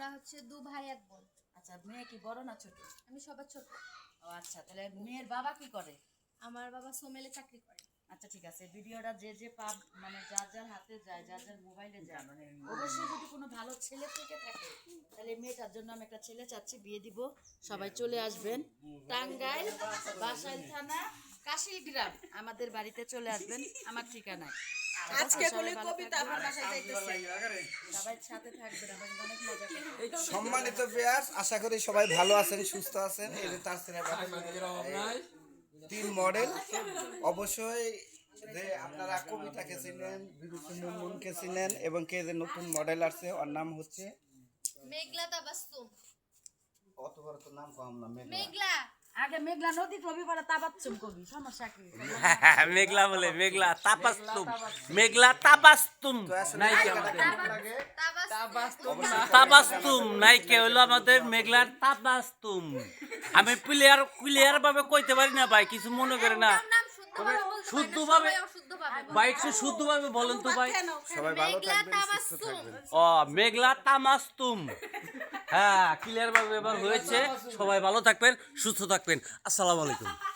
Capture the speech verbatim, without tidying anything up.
আমরা হচ্ছে দু ভাই এক বোন। আচ্ছা, মেয়ে কি বড় না ছোট? আমি সবার ছোট। ও আচ্ছা, তাহলে মেয়ের বাবা কি করে? আমার বাবা সোমেলে চাকরি করে। আচ্ছা ঠিক আছে, ভিডিওটা যে যে পাব মানে যার যার হাতে যায়, যার যার মোবাইলে যায়, অবশ্যই যদি কোনো ভালো ছেলে থেকে থাকে তাহলে মেয়েটার জন্য আমি একটা ছেলে চাচ্ছি, বিয়ে দিব। সবাই চলে আসবেন টাঙ্গাইল বাসাইল থানা কাশিল গ্রাম, আমাদের বাড়িতে চলে আসবেন আমার ঠিকানায়। আজকে বলে কবিতা আমার বাসায় যাইতেছে। সবাই সাথে থাকবেন, আমাদের অনেক মজা করবেন। সম্মানিত ভিউয়ার্স, আশা করি সবাই ভালো আছেন, সুস্থ আছেন। এই যে তার ছেলে তিন মডেল, অবশ্যই যে আপনারা কবিতাকে চিনেন, বিরুদ্ধে মুনমুনকে চিনেন, এবং কে যে নতুন মডেল আসছে ওর নাম হচ্ছে মেঘলা তাবাসসুম। অত বড় তো নাম কম না, মেঘলা। মেঘলা আগে মেঘলা নদী কবি পরে তাবাচ্চুম কবি, সমস্যা কি? মেঘলা বলে মেঘলা তাপাস্তুম, মেঘলা তাবাস্তুম নাই কে আমাদের তাবাসসুম তাবাস্তুম নাই কে হলো আমাদের মেঘলার তাবাস্তুম। আমি প্লেয়ার ক্লিয়ার ভাবে কইতে পারি না ভাই, কিছু মনে করে না। নাম শুদ্ধভাবে বলতে শুদ্ধভাবে সবাই অশুদ্ধভাবে বলে। ভাই একটু শুদ্ধভাবে বলেন তো ভাই। সবাই ভালো মেঘলা থাকবেন, সুস্থ তাবাসসুম। থাকবেন। ও মেঘলা তামাস্তুম, হ্যাঁ ক্লিয়ার ভাবে এবার হয়েছে। সবাই ভালো থাকবেন, সুস্থ থাকবেন। আসসালামু আলাইকুম।